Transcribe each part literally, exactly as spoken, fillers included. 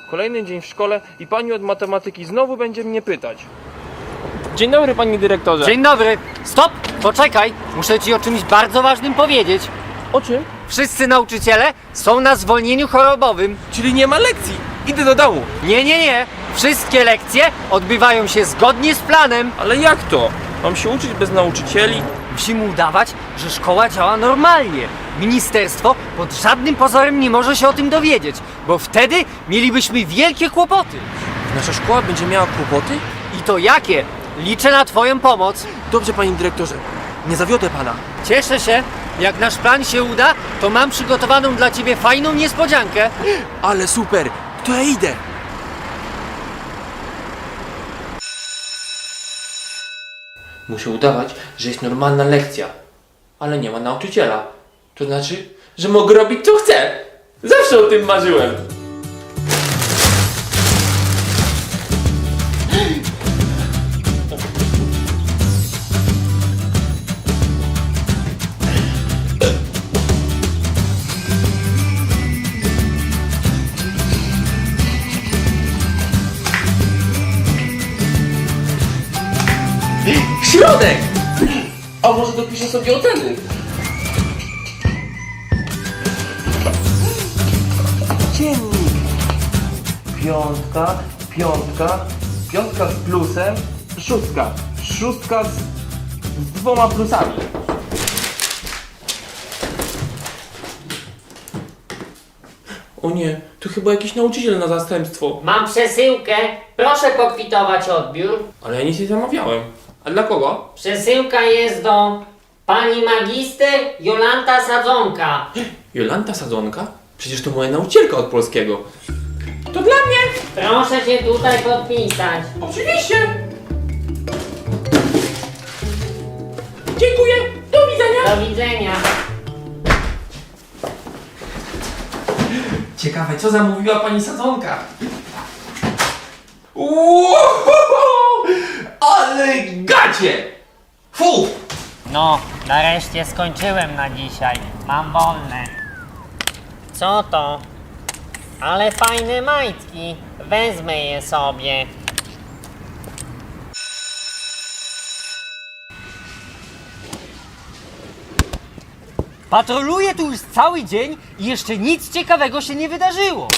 Kolejny dzień w szkole i pani od matematyki znowu będzie mnie pytać. Dzień dobry, panie dyrektorze. Dzień dobry. Stop! Poczekaj. Muszę ci o czymś bardzo ważnym powiedzieć. O czym? Wszyscy nauczyciele są na zwolnieniu chorobowym. Czyli nie ma lekcji. Idę do domu. Nie, nie, nie. Wszystkie lekcje odbywają się zgodnie z planem. Ale jak to? Mam się uczyć bez nauczycieli? Musimy udawać, że szkoła działa normalnie. Ministerstwo pod żadnym pozorem nie może się o tym dowiedzieć, bo wtedy mielibyśmy wielkie kłopoty. Nasza szkoła będzie miała kłopoty? I to jakie? Liczę na twoją pomoc. Dobrze, panie dyrektorze. Nie zawiodę pana. Cieszę się. Jak nasz plan się uda, to mam przygotowaną dla ciebie fajną niespodziankę. Ale super! To ja idę! Muszę udawać, że jest normalna lekcja, ale nie ma nauczyciela. To znaczy, że mogę robić co chcę. Zawsze o tym marzyłem. Środek! A może dopiszę sobie oceny? Dziennik. Piątka, piątka, piątka z plusem, szóstka. Szóstka z, z dwoma plusami. O nie, to chyba jakiś nauczyciel na zastępstwo. Mam przesyłkę. Proszę pokwitować odbiór. Ale ja nic nie zamawiałem. A dla kogo? Przesyłka jest do pani magister Jolanta Sadzonka. Jolanta Sadzonka? Przecież to moja nauczycielka od polskiego. To dla mnie! Proszę się tutaj podpisać. Oczywiście! Dziękuję! Do widzenia! Do widzenia. Ciekawe, co zamówiła pani Sadzonka? Wow! Ale gacie! Fu! No, nareszcie skończyłem na dzisiaj. Mam wolne. Co to? Ale fajne majtki. Wezmę je sobie. Patroluję tu już cały dzień i jeszcze nic ciekawego się nie wydarzyło.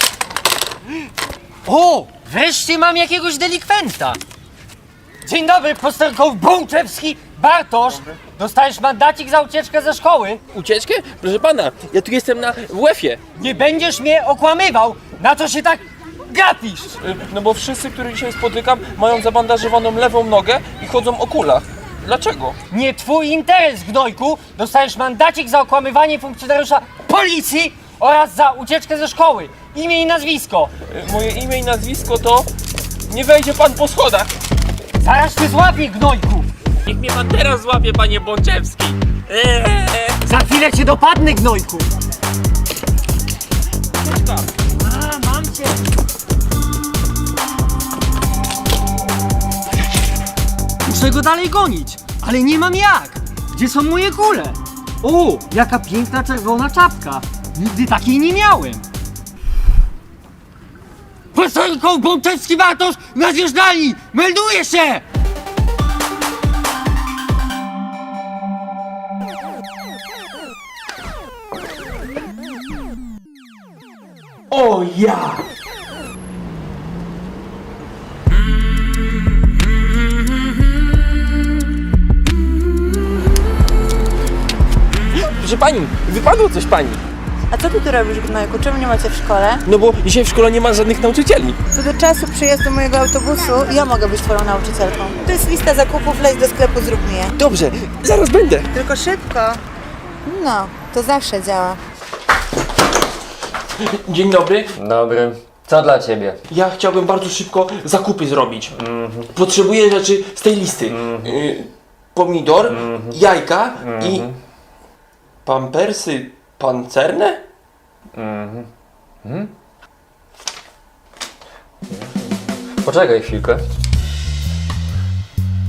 O! Wreszcie mam jakiegoś delikwenta. Dzień dobry, posterunkowy Bączewski Bartosz. Dostajesz mandacik za ucieczkę ze szkoły. Ucieczkę? Proszę pana, ja tu jestem na W F-ie. Nie będziesz mnie okłamywał. Na co się tak gapisz? No bo wszyscy, których dzisiaj spotykam, mają zabandażowaną lewą nogę i chodzą o kulach. Dlaczego? Nie twój interes, gnojku. Dostajesz mandacik za okłamywanie funkcjonariusza policji oraz za ucieczkę ze szkoły. Imię i nazwisko. Moje imię i nazwisko to... Nie wejdzie pan po schodach. Zaraz cię złapię, gnojku. Niech mnie pan teraz złapie, panie Bączewski. Eee. Za chwilę cię dopadnę, gnojku. A, mam cię. Muszę go dalej gonić, ale nie mam jak. Gdzie są moje kule? O, jaka piękna czerwona czapka. Nigdy takiej nie miałem. Posterunkowy Bączewski Bartosz na zjeżdżalni! Melduję się! O ja! Proszę pani, wypadło coś pani. A co ty tu robisz, gnojku? Czemu nie macie w szkole? No bo dzisiaj w szkole nie ma żadnych nauczycieli. Co do czasu przyjazdu mojego autobusu ja mogę być twoją nauczycielką. To jest lista zakupów, leć do sklepu, zrób mi je. Dobrze, zaraz będę. Tylko szybko. No, to zawsze działa. Dzień dobry. Dobry. Co dla ciebie? Ja chciałbym bardzo szybko zakupy zrobić. Potrzebuję rzeczy z tej listy. Y, pomidor, jajka i pampersy pancerne? Poczekaj chwilkę.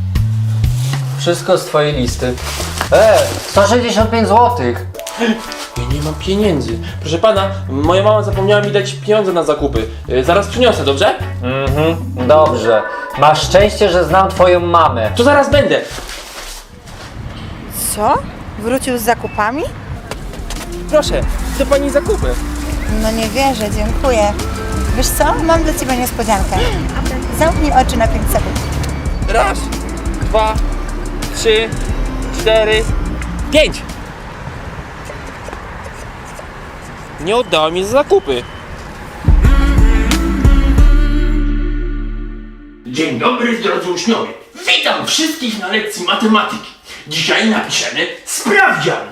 Wszystko z twojej listy. E, sto sześćdziesiąt pięć złotych. Ja nie mam pieniędzy. Proszę pana, moja mama zapomniała mi dać pieniądze na zakupy. Y, zaraz przyniosę, dobrze? Mhm, dobrze. Masz szczęście, że znam twoją mamę. To zaraz będę. Co? Wrócił z zakupami? Proszę, to pani zakupy. No nie wierzę, dziękuję. Wiesz co? Mam dla ciebie niespodziankę. Zamknij oczy na pięć sekund. Raz, dwa, trzy, cztery, pięć. Nie oddała mi za zakupy. Dzień dobry, drodzy uczniowie. Witam wszystkich na lekcji matematyki. Dzisiaj napiszemy sprawdzian.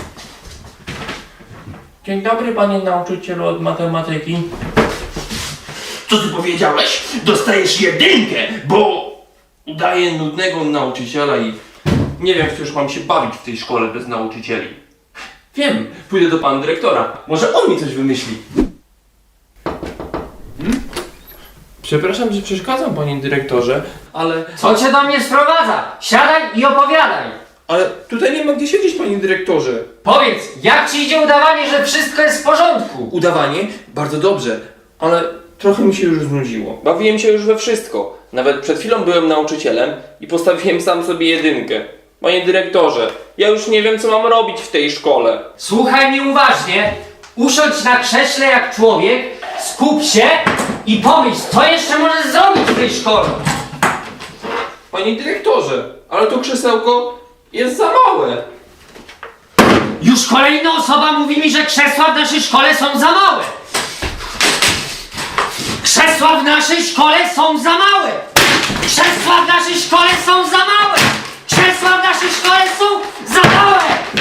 Dzień dobry, panie nauczycielu od matematyki. Co ty powiedziałeś? Dostajesz jedynkę, bo udaję nudnego nauczyciela i nie wiem, w co już mam się bawić w tej szkole bez nauczycieli. Wiem, pójdę do pana dyrektora. Może on mi coś wymyśli. Hmm? Przepraszam, że przeszkadzam, panie dyrektorze, ale... Co cię do mnie sprowadza? Siadaj i opowiadaj. Ale tutaj nie ma gdzie siedzieć, panie dyrektorze. Powiedz, jak ci idzie udawanie, że wszystko jest w porządku? Udawanie? Bardzo dobrze, ale trochę mi się już znudziło. Bawiłem się już we wszystko. Nawet przed chwilą byłem nauczycielem i postawiłem sam sobie jedynkę. Panie dyrektorze, ja już nie wiem, co mam robić w tej szkole. Słuchaj mnie uważnie, usiądź na krześle jak człowiek, skup się i pomyśl, co jeszcze możesz zrobić w tej szkole. Panie dyrektorze, ale to krzesełko jest za małe. Już kolejna osoba mówi mi, że krzesła w naszej szkole są za małe. Krzesła w naszej szkole są za małe. Krzesła w naszej szkole są za małe. Krzesła w naszej szkole są za małe.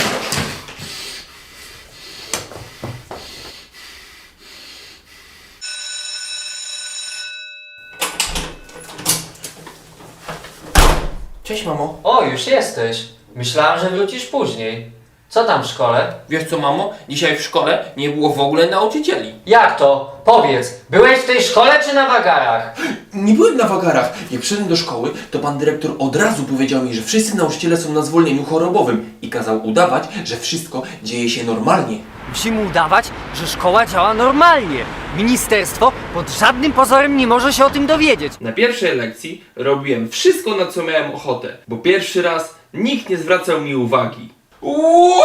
Cześć, mamo. O, już jesteś. Myślałam, że wrócisz później. Co tam w szkole? Wiesz co, mamo? Dzisiaj w szkole nie było w ogóle nauczycieli. Jak to? Powiedz, byłeś w tej szkole czy na wagarach? Nie byłem na wagarach. Jak przyszedłem do szkoły, to pan dyrektor od razu powiedział mi, że wszyscy nauczyciele są na zwolnieniu chorobowym i kazał udawać, że wszystko dzieje się normalnie. Musimy udawać, że szkoła działa normalnie. Ministerstwo pod żadnym pozorem nie może się o tym dowiedzieć. Na pierwszej lekcji robiłem wszystko, na co miałem ochotę, bo pierwszy raz nikt nie zwracał mi uwagi. Wow,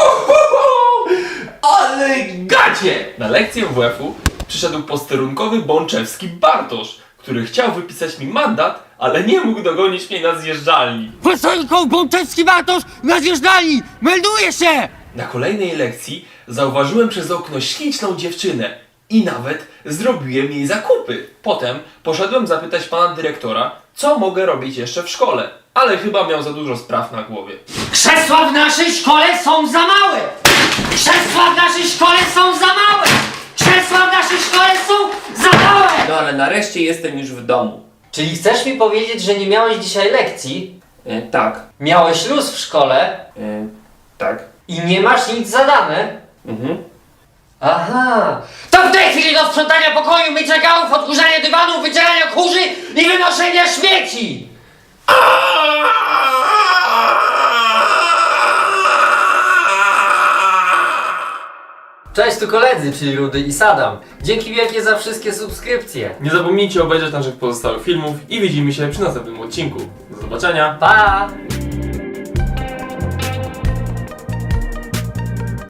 ale gacie! Na lekcję W F-u przyszedł posterunkowy Bączewski Bartosz, który chciał wypisać mi mandat, ale nie mógł dogonić mnie na zjeżdżalni. Posterunkowy Bączewski Bartosz na zjeżdżalni! Melduje się! Na kolejnej lekcji zauważyłem przez okno śliczną dziewczynę i nawet zrobiłem jej zakupy. Potem poszedłem zapytać pana dyrektora, co mogę robić jeszcze w szkole, ale chyba miał za dużo spraw na głowie. Krzesła w naszej szkole są za małe! Krzesła w naszej szkole są za małe! Krzesła w naszej szkole są za małe! No ale nareszcie jestem już w domu. Czyli chcesz mi powiedzieć, że nie miałeś dzisiaj lekcji? E, tak, Miałeś luz w szkole e, tak. i nie masz nic zadane? Mhm. Aha! To w tej chwili do sprzątania pokoju, mycia gałów, odkurzania dywanów, wycierania kurzy i wynoszenia śmieci! Cześć, tu koledzy, czyli Rudy i Sadam. Dzięki wielkie za wszystkie subskrypcje. Nie zapomnijcie obejrzeć naszych pozostałych filmów i widzimy się przy następnym odcinku. Do zobaczenia. Pa!